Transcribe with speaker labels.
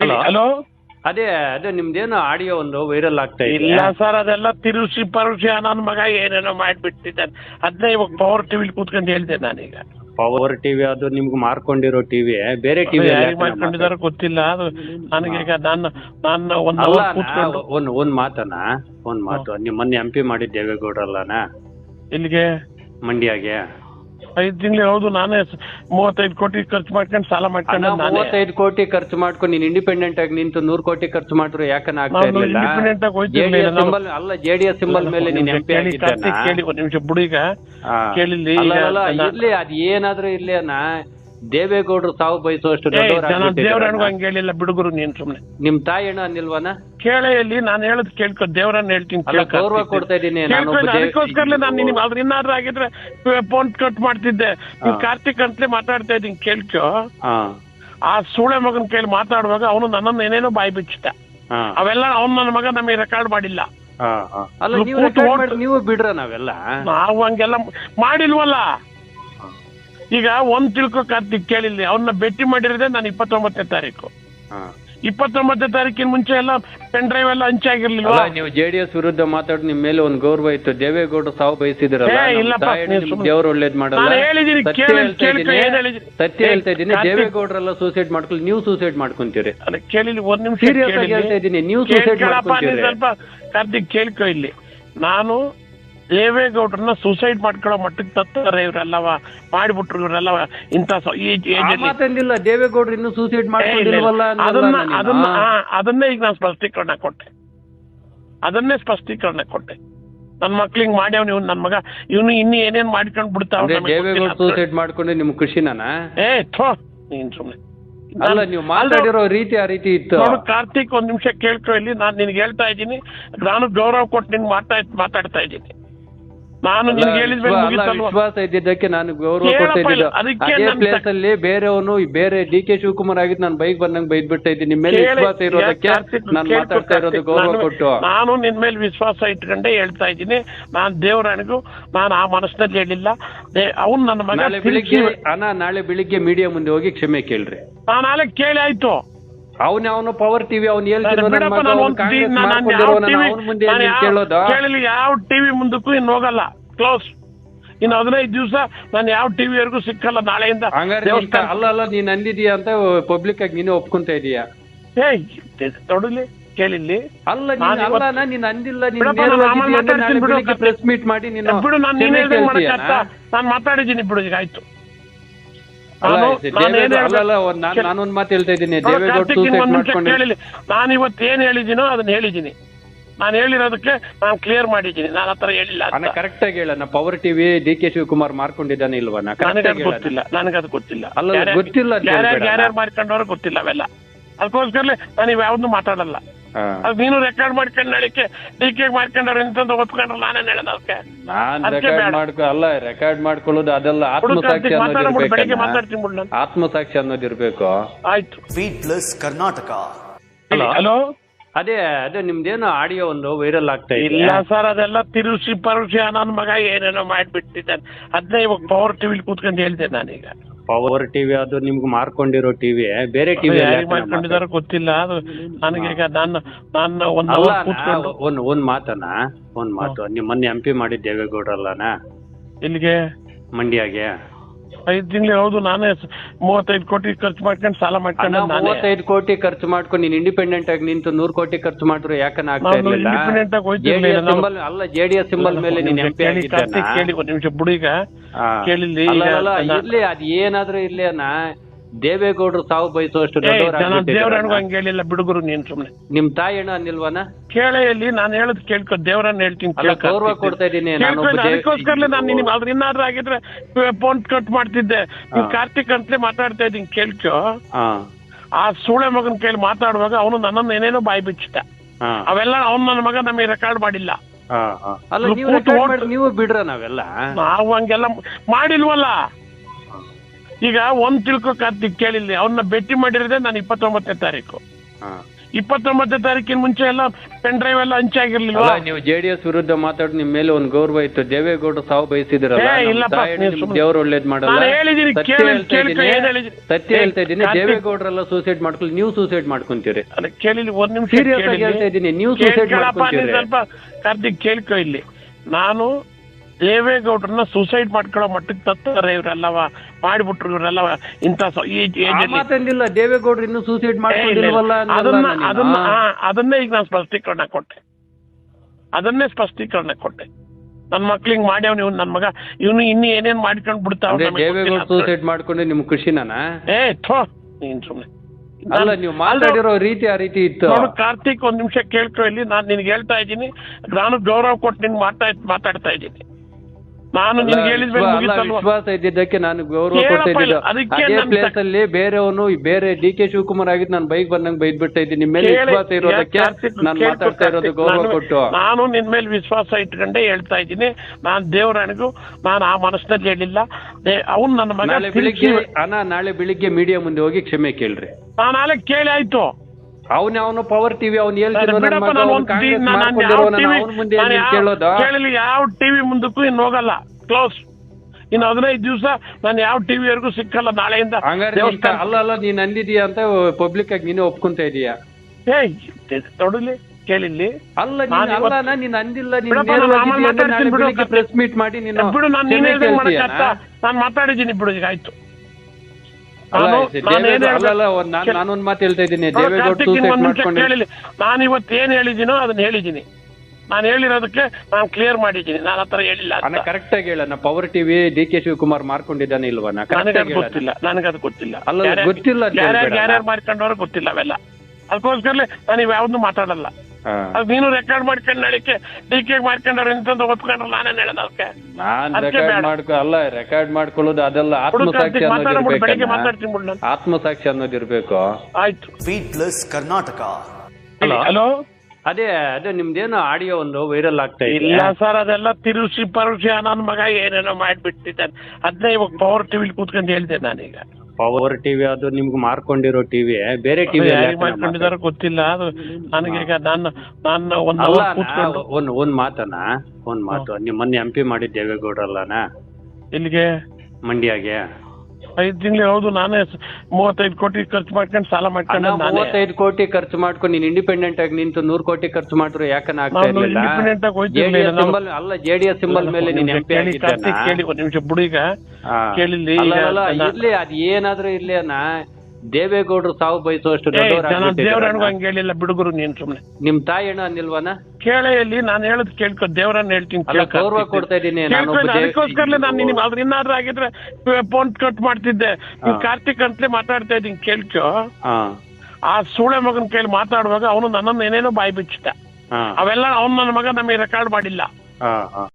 Speaker 1: Hello.
Speaker 2: ಅದೇ ಅದೇ ನಿಮ್ದೇನು ಆಡಿಯೋ ಒಂದು ವೈರಲ್ ಆಗ್ತಾ ಇದೆ.
Speaker 1: ಇಲ್ಲ ಸರ್, ಅದೆಲ್ಲ ತಿರುಸಿ ಪರುಸಿ ನನ್ನ ಮಗ ಏನೇನೋ ಮಾಡಿಬಿಟ್ಟಿದ್ದಾನೆ. ಅದನ್ನೇ ಇವಾಗ ಪವರ್ ಟಿವಿಲಿ ಕೂತ್ಕೊಂಡು ಹೇಳ್ದೆ ನಾನೀಗ.
Speaker 2: ಪವರ್ ಟಿವಿ ಅದು ನಿಮ್ಗೆ ಮಾರ್ಕೊಂಡಿರೋ ಟಿವಿ ಬೇರೆ ಟಿವಿ
Speaker 1: ಮಾಡ್ಕೊಂಡಿದಾರೋ ಗೊತ್ತಿಲ್ಲ. ಅದು ನನಗೀಗ ನಾನು
Speaker 2: ಒಂದ್ ಮಾತು ನಿಮ್ ಮೊನ್ನೆ MP ಮಾಡಿದ್ ದೇವೇಗೌಡ್ರಲ್ಲನ
Speaker 1: ಇಲ್ಲಿಗೆ
Speaker 2: ಮಂಡ್ಯಗೆ
Speaker 1: 5 ತಿಂಗಳು. ಹೌದು, ನಾನೇ 35 ಕೋಟಿ ಖರ್ಚು ಮಾಡ್ಕೊಂಡು ಸಾಲ ಮಾಡ್ಕೊಂಡು
Speaker 2: 35 ಕೋಟಿ ಖರ್ಚು ಮಾಡ್ಕೊಂಡು ನೀನ್ ಇಂಡಿಪೆಂಡೆಂಟ್ ಆಗಿ ನಿಂತು 100 ಕೋಟಿ ಖರ್ಚು ಮಾಡಿದ್ರು ಯಾಕನ ಆಗ್ತಾ ಇರ್ಲಿಲ್ಲ?
Speaker 1: ಇಂಡಿಪೆಂಡೆಂಟ್ ಆಗಿ
Speaker 2: JDS ಸಿಂಬಲ್ ಮೇಲೆ ನೀನ್ MP ಆಗಿದ್ದಾನ.
Speaker 1: ಕೇಳಿ ಒಂದ್ ನಿಮಿಷ ಬುಡೀಗ ಕೇಳಿಲ್ಲಿ.
Speaker 2: ಇರ್ಲಿ ಅದ್ ಏನಾದ್ರೂ ಇರ್ಲಿ ಅಣ್ಣ, ದೇವೇಗೌಡರು ಸಾವು ಬಯಸುವಷ್ಟು
Speaker 1: ದೇವರಣ್ಣ ಹಂಗೆ ಹೇಳಿಲ್ಲ ಬಿಡುಗರು. ನೀನ್ ಸುಮ್ನೆ
Speaker 2: ನಿಮ್ ತಾಯಿ ಅಣ್ಣ ಅಂದಿಲ್ವನ?
Speaker 1: ಕೇಳೇ ಇಲ್ಲಿ ನಾನು ಹೇಳದ್ ಕೇಳ್ಕೊ, ದೇವರನ್ನ ಹೇಳ್ತೀನಿ.
Speaker 2: ಗೌರವ ಕೊಡ್ತಾ ಇದ್ದೀನಿ.
Speaker 1: ಅದಕ್ಕೋಸ್ಕರಲೇ ನಾನು ನಿಮ್ಗೆ ಅದ್ರ ಇನ್ನಾದ್ರೂ ಆಗಿದ್ರೆ ಫೋನ್ ಕಟ್ ಮಾಡ್ತಿದ್ದೆ. ಕಾರ್ತಿಕ್ ಅಂತಲೇ ಮಾತಾಡ್ತಾ ಇದ್ದೀನಿ, ಕೇಳ್ಕೊ. ಆ ಸೂಳೆ ಮಗನ ಕೇಳಿ ಮಾತಾಡುವಾಗ ಅವನು ನನ್ನನ್ನು ಏನೇನೋ ಬಾಯಿ ಬಿಚ್ಚಿಟ್ಟ. ಅವೆಲ್ಲ ಅವ್ನು ನನ್ನ ಮಗ ನಮಗೆ ರೆಕಾರ್ಡ್ ಮಾಡಿಲ್ಲ.
Speaker 2: ನೀವು ಬಿಡ್ರ ನಾವೆಲ್ಲ
Speaker 1: ನಾವು ಹಂಗೆಲ್ಲ ಮಾಡಿಲ್ವಲ್ಲ. ಈಗ ಒಂದ್ ತಿಳ್ಕೊ ಕಾರ್ತಿಕ್, ಕೇಳಿಲ್ಲ, ಅವನ್ನ ಭೇಟಿ ಮಾಡಿರೋದೇ ನಾನು 29ನೇ ತಾರೀಕು. 29ನೇ ತಾರೀಕಿನ ಮುಂಚೆ ಎಲ್ಲ ಪೆನ್ ಡ್ರೈವ್ ಎಲ್ಲ ಹಂಚಾಗಿರ್ಲಿಲ್ವಾ?
Speaker 2: ನೀವು JDS ವಿರುದ್ಧ ಮಾತಾಡಿ ನಿಮ್ ಮೇಲೆ ಒಂದ್ ಗೌರವ ಇತ್ತು. ದೇವೇಗೌಡರು ಸಾವು ಬಯಸಿದ್ರಲ್ಲ, ದೇವ್ರು ಒಳ್ಳೇದ್ ಮಾಡಲ್ಲ. ಸತ್ಯ ಹೇಳ್ತಾ ಇದ್ದೀನಿ. ದೇವೇಗೌಡರೆಲ್ಲ ಸೂಸೈಡ್ ಮಾಡ್ಕೊಳ್ಳಿ, ನೀವು ಸೂಸೈಡ್ ಮಾಡ್ಕೊಂತೀರಿ.
Speaker 1: ಕೇಳಿಲ್ಲ, ಒಂದ್ ನಿಮಿಷ
Speaker 2: ಹೇಳ್ತಾ ಇದ್ದೀನಿ, ನೀವು ಸೂಸೈಡ್ ಮಾಡ್ಕೊಂತೀರಿ.
Speaker 1: ಸ್ವಲ್ಪ ಕಾರ್ತಿಕ್ ಕೇಳ್ಕೊ ಇಲ್ಲಿ. ನಾನು ದೇವೇಗೌಡ್ರನ್ನ ಸೂಸೈಡ್ ಮಾಡ್ಕೊಳ್ಳೋ ಮಟ್ಟಕ್ಕೆ ತತ್ತಾರೆ ಇವರೆಲ್ಲವ, ಮಾಡಿಬಿಟ್ರು ಇವರೆಲ್ಲವ. ಇಂಥ
Speaker 2: ಮಾತಂದಿಲ್ಲ, ದೇವೇಗೌಡರು ಇನ್ನೂ ಸೂಸೈಡ್ ಮಾಡ್ಕೊಂಡಿಲ್ವಲ್ಲ.
Speaker 1: ಅದನ್ನೇ ಈಗ ನಾನು ಸ್ಪಷ್ಟೀಕರಣ ಕೊಟ್ಟೆ. ನನ್ನ ಮಕ್ಳಿಗೆ ಮಾಡ್ಯಾವ ಇವ್ನು, ನನ್ನ ಮಗ ಇವನು ಇನ್ನು ಏನೇನ್ ಮಾಡ್ಕೊಂಡ್ ಬಿಡ್ತಾವ.
Speaker 2: ದೇವೇಗೌಡ ಸೂಸೈಡ್ ಮಾಡ್ಕೊಂಡ್ರೆ ನಿಮ್ ಖುಷಿನ?
Speaker 1: ನೀನ್ ಸುಮ್ನೆ
Speaker 2: ಅಲ್ಲ, ನೀವು ಮಾತಾಡಿರೋ ರೀತಿ ಆ ರೀತಿ ಇತ್ತು.
Speaker 1: ಕಾರ್ತಿಕ್, ಒಂದ್ ನಿಮಿಷ ಕೇಳ್ಕೊ ಇಲ್ಲಿ. ನಾನು ನಿನ್ಗೆ ಹೇಳ್ತಾ ಇದ್ದೀನಿ, ನಾನು ಗೌರವ ಕೊಟ್ಟು ನಿನ್ಗೆ ಮಾತಾಡ್ತಾ ಇದ್ದೀನಿ. ನಾನು ನಿನ್ಗೆ
Speaker 2: ವಿಶ್ವಾಸ ಇದ್ದಿದ್ದಕ್ಕೆ ನಾನು ಗೌರವ ಕೊಡ್ತಾ ಪ್ಲೇಸ್ ಅಲ್ಲಿ ಬೇರೆಯವನು ಬೇರೆ DK ಶಿವಕುಮಾರ್ ಆಗಿದ್ದು ನಾನು ಬೈಕ್ ಬಂದಂಗ್ ಬೈದ್ ಬಿಡ್ತಾ ಇದ್ದೀನಿ. ನಿಮ್ಮ ಮೇಲೆ ವಿಶ್ವಾಸ ಇರೋದಕ್ಕೆ ನಾನು ಮಾತಾಡ್ತಾ ಇರೋದು ಗೌರವ ಕೊಟ್ಟು.
Speaker 1: ನಾನು ನಿನ್ ಮೇಲೆ ವಿಶ್ವಾಸ ಇಟ್ಕೊಂಡೆ ಹೇಳ್ತಾ ಇದ್ದೀನಿ. ನಾನು ದೇವರಾಣಿಗೂ ನಾನು ಆ ಮನಸ್ಸಿನಲ್ಲಿ ಹೇಳಿಲ್ಲ. ಅವ್ನು ನನ್ನ ಮಗ.
Speaker 2: ನಾಳೆ ಬೆಳಿಗ್ಗೆ ಮೀಡಿಯಾ ಮುಂದೆ ಹೋಗಿ ಕ್ಷಮೆ ಕೇಳ್ರಿ.
Speaker 1: ನಾನು ನಾಳೆ ಕೇಳಿ ಆಯ್ತು.
Speaker 2: ಅವನು ಪವರ್ ಟಿವಿ ಅವ್ನು
Speaker 1: ಕೇಳಲಿ. ಯಾವ ಟಿವಿ ಮುಂದಕ್ಕೂ ಇನ್ನು ಹೋಗಲ್ಲ, ಕ್ಲೋಸ್. ಇನ್ನು 15 ದಿವಸ ನಾನು ಯಾವ ಟಿವಿವರೆಗೂ ಸಿಕ್ಕಲ್ಲ ನಾಳೆಯಿಂದ.
Speaker 2: ಅಲ್ಲ, ನೀನ್ ಅಂದಿದೀಯ ಅಂತ ಪಬ್ಲಿಕ್ ಆಗಿ ನೀನು ಒಪ್ಕೊಂತ ಇದೀಯಾ?
Speaker 1: ತೊಡಲಿ ಕೇಳಿಲ್ಲಿ.
Speaker 2: ನೀನ್ ಅಂದಿಲ್ಲ. ಪ್ರೆಸ್ ಮೀಟ್ ಮಾಡಿ
Speaker 1: ಬಿಡು, ನಾನು ಮಾತಾಡಿದ್ದೀನಿ ಬಿಡು. ಈಗ ಆಯ್ತು.
Speaker 2: ನಾನೊಂದ್ ಮಾತು ಹೇಳ್ತಾ ಇದ್ದೀನಿ.
Speaker 1: ನಾನು ಇವತ್ತು ಏನ್ ಹೇಳಿದ್ದೀನೋ ಅದನ್ನ ಹೇಳಿದ್ದೀನಿ. ನಾನು ಹೇಳಿರೋದಕ್ಕೆ ನಾನು ಕ್ಲಿಯರ್ ಮಾಡಿದ್ದೀನಿ. ನಾನು ಆತರ ಹೇಳಿಲ್ಲ.
Speaker 2: ಕರೆಕ್ಟ್ ಆಗಿ ಹೇಳ. ಪವರ್ ಟಿವಿ DK ಶಿವಕುಮಾರ್ ಮಾರ್ಕೊಂಡಿದ್ದಾನೆ ಇಲ್ವಾ?
Speaker 1: ಗೊತ್ತಿಲ್ಲ, ನನಗದು ಗೊತ್ತಿಲ್ಲ.
Speaker 2: ಗೊತ್ತಿಲ್ಲ,
Speaker 1: ಯಾರ್ಯಾರು ಮಾಡ್ಕೊಂಡವ್ರು ಗೊತ್ತಿಲ್ಲ ಅವೆಲ್ಲ. ಅದಕ್ಕೋಸ್ಕರಲೇ ನಾನು ಇವ್ಯಾವ್ದು ಮಾತಾಡಲ್ಲ. ಅದು ನೀನು ರೆಕಾರ್ಡ್ ಮಾಡ್ಕೊಂಡು ನಳಿಕೆ DK ಮಾಡ್ಕೊಂಡ್ರೆ ಎಂತಂದು ಒಪ್ಕೊಂಡ್ರೆ ನಾನೇನ್ ಹೇಳೋದು? ಅದಕ್ಕೆ
Speaker 2: ರೆಕಾರ್ಡ್ ಮಾಡ್ಕೊಳ್ಳೋದು ಅದೆಲ್ಲ ಆತ್ಮಸಾಕ್ಷಿ ಅನ್ನೋದಿರ್ಬೇಕು. ಆತ್ಮಸಾಕ್ಷಿ ಅನ್ನೋದಿರ್ಬೇಕು.
Speaker 1: ಆಯ್ತು.
Speaker 3: ಕರ್ನಾಟಕ.
Speaker 1: ಹಲೋ.
Speaker 2: ಅದೇ ನಿಮ್ದೇನು ಆಡಿಯೋ ಒಂದು ವೈರಲ್ ಆಗ್ತಾ ಇದೆ.
Speaker 1: ಇಲ್ಲ ಸರ್, ಅದೆಲ್ಲ ತಿರುಸಿ ಪರುಸಿ ನನ್ನ ಮಗ ಏನೇನೋ ಮಾಡಿಬಿಟ್ಟಿದ್ದಾನೆ. ಅದನ್ನೇ ಇವಾಗ ಪವರ್ ಟಿವಿಲಿ ಕೂತ್ಕೊಂಡು ಹೇಳ್ದೆ ನಾನೀಗ.
Speaker 2: ಪವರ್ ಟಿವಿ ಅದು ನಿಮ್ಗೆ ಮಾರ್ಕೊಂಡಿರೋ ಟಿವಿ ಬೇರೆ ಟಿವಿ
Speaker 1: ಮಾಡ್ಕೊಂಡಿದಾರೋ ಗೊತ್ತಿಲ್ಲ. ಅದು ನನಗೀಗ ನಾನು
Speaker 2: ಒಂದ್ ಮಾತು ನಿಮ್ ಮೊನ್ನೆ MP ಮಾಡಿದ್ ದೇವೇಗೌಡ್ರಲ್ಲನ
Speaker 1: ಇಲ್ಲಿಗೆ
Speaker 2: ಮಂಡ್ಯಗೆ
Speaker 1: 5 ತಿಂಗಳು. ಹೌದು, ನಾನೇ 35 ಕೋಟಿ ಖರ್ಚು ಮಾಡ್ಕೊಂಡು ಸಾಲ ಮಾಡ್ಕೊಂಡು
Speaker 2: 35 ಕೋಟಿ ಖರ್ಚು ಮಾಡ್ಕೊಂಡು ನೀನ್ ಇಂಡಿಪೆಂಡೆಂಟ್ ಆಗಿ ನಿಂತು 100 ಕೋಟಿ ಖರ್ಚು ಮಾಡಿದ್ರು ಯಾಕನ ಆಗ್ತಾ ಇರ್ಲಿಲ್ಲ? JDS ಸಿಂಬಲ್ ಮೇಲೆ ನೀನ್ MP ಆಗಿದ್ದಾನ.
Speaker 1: ಕೇಳಿ ಒಂದ್ ನಿಮಿಷ ಬುಡೀಗ ಕೇಳಿಲ್ಲಿ.
Speaker 2: ಇರ್ಲಿ, ಅದ್ ಏನಾದ್ರೂ ಇರ್ಲಿ ಅಣ್ಣ, ದೇವೇಗೌಡರು ಸಾವು ಬಯಸುವಷ್ಟು
Speaker 1: ದೇವರಣ್ಣ ಹಂಗೆ ಹೇಳಿಲ್ಲ ಬಿಡುಗರು. ನೀನ್ ಸುಮ್ನೆ ನಿಮ್
Speaker 2: ತಾಯಿ ಅಣ್ಣ ಅಂದಿಲ್ವನ?
Speaker 1: ಕೇಳೇ ಇಲ್ಲಿ. ನಾನು ಹೇಳದ್ ಕೇಳ್ಕೊ, ದೇವರನ್ನ ಹೇಳ್ತೀನಿ.
Speaker 2: ಗೌರವ ಕೊಡ್ತಾ ಇದ್ದೀನಿ.
Speaker 1: ಅದಕ್ಕೋಸ್ಕರಲೇ ನಾನು ನಿಮ್ಗೆ ಅದ್ರ ಇನ್ನಾದ್ರೂ ಆಗಿದ್ರೆ ಫೋನ್ ಕಟ್ ಮಾಡ್ತಿದ್ದೆ. ಕಾರ್ತಿಕ್ ಅಂತಲೇ ಮಾತಾಡ್ತಾ ಇದ್ದೀನಿ, ಕೇಳ್ಕೊ. ಆ ಸೂಳೆ ಮಗನ ಕೇಳಿ ಮಾತಾಡುವಾಗ ಅವನು ನನ್ನನ್ನು ಏನೇನೋ ಬಾಯಿ ಬಿಚ್ಚಿಟ್ಟ. ಅವೆಲ್ಲ ಅವ್ನು ನನ್ನ ಮಗ ನಮಗೆ ರೆಕಾರ್ಡ್ ಮಾಡಿಲ್ಲ.
Speaker 2: ನೀವು ಬಿಡ್ರ ನಾವೆಲ್ಲ
Speaker 1: ನಾವು ಹಂಗೆಲ್ಲ ಮಾಡಿಲ್ವಲ್ಲ. ಈಗ ಒಂದ್ ತಿಳ್ಕೊ ಕಾರ್ತಿಕ್, ಕೇಳಿಲ್ಲ, ಅವನ್ನ ಭೇಟಿ ಮಾಡಿರೋದೇ ನಾನು 29ನೇ ತಾರೀಕು. 29ನೇ ತಾರೀಕಿನ ಮುಂಚೆ ಎಲ್ಲ ಪೆನ್ ಡ್ರೈವ್ ಎಲ್ಲ ಹಂಚಾಗಿರ್ಲಿಲ್ವಾ?
Speaker 2: ನೀವು ಜೆಡಿಎಸ್ ವಿರುದ್ಧ ಮಾತಾಡಿ ನಿಮ್ ಮೇಲೆ ಒಂದು ಗೌರವ ಇತ್ತು. ದೇವೇಗೌಡರು ಸಾವು ಬಯಸಿದ್ರಲ್ಲ, ದೇವರು ಒಳ್ಳೇದ್ ಮಾಡಲ್ಲ. ಸತ್ಯ ಹೇಳ್ತಾ ಇದ್ದೀನಿ, ದೇವೇಗೌಡರೆಲ್ಲ ಸೂಸೈಡ್ ಮಾಡ್ಕೊಳ್ಳಿ, ನೀವು ಸೂಸೈಡ್ ಮಾಡ್ಕೊಂತೀರಿ.
Speaker 1: ಕೇಳಿ ಒಂದ್ ನಿಮಿಷ
Speaker 2: ಸೀರಿಯಸ್ ಆಗಿ ಹೇಳ್ತಾ ಇದ್ದೀನಿ, ನೀವು ಸೂಸೈಡ್ ಮಾಡ್ಕೊಂತೀರಿ.
Speaker 1: ಸ್ವಲ್ಪ ಕಾರ್ತಿಕ್ ಕೇಳ್ಕೊ ಇಲ್ಲಿ. ನಾನು ದೇವೇಗೌಡ್ರನ್ನ ಸೂಸೈಡ್ ಮಾಡ್ಕೊಳ್ಳೋ ಮಟ್ಟಕ್ಕೆ ತತ್ತಾರೆ ಇವರೆಲ್ಲವ, ಮಾಡಿಬಿಟ್ರು ಇವರೆಲ್ಲವ. ಇಂಥ
Speaker 2: ಮಾತಂದಿಲ್ಲ, ದೇವೇಗೌಡರು ಇನ್ನೂ ಸೂಸೈಡ್ ಮಾಡ್ಕೊಂಡಿಲ್ವಲ್ಲ.
Speaker 1: ಅದನ್ನೇ ಈಗ ನಾನು ಸ್ಪಷ್ಟೀಕರಣ ಕೊಟ್ಟೆ, ನನ್ನ ಮಕ್ಳಿಗೆ ಮಾಡ್ಯಾವ ಇವ್ನು, ನನ್ನ ಮಗ ಇವನು ಇನ್ನು ಏನೇನ್ ಮಾಡ್ಕೊಂಡ್ ಬಿಡ್ತಾವ.
Speaker 2: ದೇವೇಗೌಡ ಸೂಸೈಡ್ ಮಾಡ್ಕೊಂಡೆ ನಿಮ್ ಖುಷಿನ?
Speaker 1: ನೀನ್ ಸುಮ್ನೆ
Speaker 2: ಅಲ್ಲ, ನೀವು ಮಾತಾಡಿರೋ ರೀತಿ ಆ ರೀತಿ ಇತ್ತು.
Speaker 1: ಕಾರ್ತಿಕ್ ಒಂದ್ ನಿಮಿಷ ಕೇಳ್ಕೊ ಇಲ್ಲಿ. ನಾನು ನಿನ್ಗೆ ಹೇಳ್ತಾ ಇದ್ದೀನಿ, ನಾನು ಗೌರವ ಕೊಟ್ಟು ನಿನ್ಗೆ ಮಾತಾಡ್ತಾ ಇದ್ದೀನಿ. ನಾನು ನಿನ್ಗೆ
Speaker 2: ವಿಶ್ವಾಸ ಇದ್ದಿದ್ದಕ್ಕೆ ನಾನು ಗೌರವ ಕೊಡ್ತಿದ್ದೆ. ಅದೇ ಪ್ಲೇಸ್ ಅಲ್ಲಿ ಬೇರೆಯವನು ಬೇರೆ ಡಿ ಕೆ ಶಿವಕುಮಾರ್ ಆಗಿದ್ದು ನಾನು ಬೈಕ್ ಬಂದಂಗ್ ಬೈದ್ ಬಿಡ್ತಾ ಇದ್ದೀನಿ. ನಿಮ್ ಮೇಲೆ ವಿಶ್ವಾಸ ಇರೋದಕ್ಕೆ ನಾನು ಮಾತಾಡ್ತಾ ಇರೋದು ಗೌರವ ಕೊಟ್ಟು.
Speaker 1: ನಾನು ನಿನ್ ಮೇಲೆ ವಿಶ್ವಾಸ ಇಟ್ಕೊಂಡೆ ಹೇಳ್ತಾ ಇದ್ದೀನಿ. ನಾನು ದೇವರಾಣಿಗೂ ನಾನು ಆ ಮನಸ್ಸಿನಲ್ಲಿ ಹೇಳಿಲ್ಲ. ಅವ್ನು ನನ್ನ ಮಗ
Speaker 2: ನಾಳೆ ಬೆಳಿಗ್ಗೆ ಮೀಡಿಯಾ ಮುಂದೆ ಹೋಗಿ ಕ್ಷಮೆ ಕೇಳ್ರಿ.
Speaker 1: ನಾನು ನಾಳೆ ಕೇಳಿ ಆಯ್ತು.
Speaker 2: ಅವನು ಪವರ್ ಟಿವಿ ಅವ್ನು
Speaker 1: ಕೇಳಲಿ, ಯಾವ ಟಿವಿ ಮುಂದಕ್ಕೂ ಇನ್ನು ಹೋಗಲ್ಲ, ಕ್ಲೋಸ್. ಇನ್ನು 15 ದಿವಸ ನಾನು ಯಾವ ಟಿವಿವರೆಗೂ ಸಿಕ್ಕಲ್ಲ ನಾಳೆಯಿಂದ.
Speaker 2: ಅಲ್ಲ ನೀನ್ ಅಂದಿದೀಯ ಅಂತ ಪಬ್ಲಿಕ್ ಆಗಿ ನೀನು ಒಪ್ಕೊಂತ ಇದೀಯಾ?
Speaker 1: ನೋಡಲಿ ಕೇಳಿಲ್ಲಿ.
Speaker 2: ಅಲ್ಲ ನೀನ್ ಅಂದಿಲ್ಲ, ಪ್ರೆಸ್ ಮೀಟ್ ಮಾಡಿ
Speaker 1: ಬಿಡು. ನಾನು ಮಾತಾಡಿದ್ದೀನಿ ಬಿಡು, ಈಗ ಆಯ್ತು.
Speaker 2: ನಾನೊಂದ್ ಮಾತು ಹೇಳ್ತಾ ಇದ್ದೀನಿ, ದೇವೇಗೌಡ
Speaker 1: ನಾನು ಇವತ್ತು ಏನ್ ಹೇಳಿದ್ದೀನೋ ಅದನ್ನ ಹೇಳಿದ್ದೀನಿ. ನಾನು ಹೇಳಿರೋದಕ್ಕೆ ನಾನು ಕ್ಲಿಯರ್ ಮಾಡಿದ್ದೀನಿ. ನಾನು ಆತರ ಹೇಳಿಲ್ಲ.
Speaker 2: ಕರೆಕ್ಟ್ ಆಗಿ ಹೇಳ, power TV D K Shivakumar ಮಾರ್ಕೊಂಡಿದ್ದಾನೆ ಇಲ್ವಾ?
Speaker 1: ಗೊತ್ತಿಲ್ಲ, ನನಗದು ಗೊತ್ತಿಲ್ಲ.
Speaker 2: ಗೊತ್ತಿಲ್ಲ,
Speaker 1: ಯಾರ್ಯಾರು ಮಾಡ್ಕೊಂಡವ್ರು ಗೊತ್ತಿಲ್ಲ ಅವೆಲ್ಲ. ಅದಕ್ಕೋಸ್ಕರಲೇ ನಾನು ಇವ್ಯಾವ್ದು ಮಾತಾಡಲ್ಲ. ನೀನು ರೆಕಾರ್ಡ್ ಮಾಡ್ಕೊಂಡು ನಡಿಕೆ ಡಿ ಕೆ ಮಾಡ್ಕೊಂಡ್ರೆ ಇಂತಂದು ಒಪ್ಕೊಂಡ್ರೆ ನಾನೇನ್ ಹೇಳೋದು ಅದಕ್ಕೆ?
Speaker 2: ಅಲ್ಲ, ರೆಕಾರ್ಡ್ ಮಾಡ್ಕೊಳ್ಳೋದು ಅದೆಲ್ಲ ಆತ್ಮಸಾಕ್ಷಿ ಅನ್ನೋದಿರ್ಬೇಕು. ಆತ್ಮಸಾಕ್ಷಿ ಅನ್ನೋದಿರ್ಬೇಕು.
Speaker 1: ಆಯ್ತು.
Speaker 3: ಕರ್ನಾಟಕ.
Speaker 1: ಹಲೋ,
Speaker 2: ಅದೇ ನಿಮ್ದೇನೋ ಆಡಿಯೋ ಒಂದು ವೈರಲ್ ಆಗ್ತಾ
Speaker 1: ಇಲ್ಲ ಸರ್. ಅದೆಲ್ಲ ತಿರುಸಿ ಪರುಷಿ ನನ್ನ ಮಗ ಏನೇನೋ ಮಾಡ್ಬಿಟ್ಟಿದ್ದಾನೆ. ಅದನ್ನೇ ಇವಾಗ ಪವರ್ ಟಿವಿಲಿ ಕೂತ್ಕೊಂಡು ಹೇಳ್ದೆ ನಾನೀಗ.
Speaker 2: ಪವರ್ ಟಿವಿ ಅದು ನಿಮ್ಗೆ ಮಾರ್ಕೊಂಡಿರೋ ಟಿವಿ, ಬೇರೆ ಟಿವಿ
Speaker 1: ಮಾಡ್ಕೊಂಡಿದಾರ ಗೊತ್ತಿಲ್ಲ. ಅದು ನನಗೀಗ ನಾನು
Speaker 2: ಒಂದ್ ಮಾತು ನಿಮ್ ಮೊನ್ನೆ MP ಮಾಡಿದ್ ದೇವೇಗೌಡ್ರಲ್ಲನ?
Speaker 1: ಇಲ್ಲಿಗೆ
Speaker 2: ಮಂಡ್ಯಗೆ
Speaker 1: 5 ತಿಂಗಳು. ಹೌದು, ನಾನೇ 35 ಕೋಟಿ ಖರ್ಚು ಮಾಡ್ಕೊಂಡು ಸಾಲ ಮಾಡ್ಕೊಂಡು
Speaker 2: 35 ಕೋಟಿ ಖರ್ಚು ಮಾಡ್ಕೊಂಡು ನೀನ್ ಇಂಡಿಪೆಂಡೆಂಟ್ ಆಗಿ ನಿಂತು 100 ಕೋಟಿ ಖರ್ಚು ಮಾಡಿದ್ರು ಯಾಕನ ಆಗ್ತಾ ಇರ್ಲಿಲ್ಲ? ಅಲ್ಲ, ಜೆಡಿಎಸ್ ಸಿಂಬಲ್ ಮೇಲೆ ನೀನ್ MP ಆಗಿದ್ದೆ.
Speaker 1: ಕೇಳಿ ಒಂದ್ ನಿಮಿಷ ಬಿಡು. ಈಗ ಕೇಳಿಲ್ಲಿ
Speaker 2: ಇರ್ಲಿ, ಅದ್ ಏನಾದ್ರೂ ಇರ್ಲಿ ಅಣ್ಣ, ದೇವೇಗೌಡರು ಸಾವು ಬಯಸುವಷ್ಟು
Speaker 1: ದೇವರಣ್ಣ ಹಂಗೆ ಹೇಳಿಲ್ಲ ಬಿಡುಗರು. ನೀನ್ ಸುಮ್ನೆ ನಿಮ್
Speaker 2: ತಾಯಿ ಅಣ್ಣ ಅಂದಿಲ್ವನ?
Speaker 1: ಕೇಳೇ ಇಲ್ಲಿ ನಾನು ಹೇಳದ್ ಕೇಳ್ಕೊ, ದೇವರನ್ನ ಹೇಳ್ತೀನಿ.
Speaker 2: ಗೌರವ ಕೊಡ್ತಾ ಇದ್ದೀನಿ.
Speaker 1: ಅದಕ್ಕೋಸ್ಕರಲೇ ನಾನು ನಿಮ್ಗೆ ಅದ್ರ ಇನ್ನಾದ್ರೂ ಆಗಿದ್ರೆ ಫೋನ್ ಕಟ್ ಮಾಡ್ತಿದ್ದೆ. ಕಾರ್ತಿಕ್ ಅಂತಲೇ ಮಾತಾಡ್ತಾ ಇದ್ದೀನಿ, ಕೇಳ್ಕೊ. ಆ ಸೂಳೆ ಮಗನ ಕೈಲಿ ಮಾತಾಡುವಾಗ ಅವನು ನನ್ನನ್ನು ಏನೇನೋ ಬಾಯಿ ಬಿಚ್ಚಿದ. ಅವೆಲ್ಲ ಅವ್ನು ನನ್ನ ಮಗ ನಮಗೆ ರೆಕಾರ್ಡ್ ಮಾಡಿಲ್ಲ.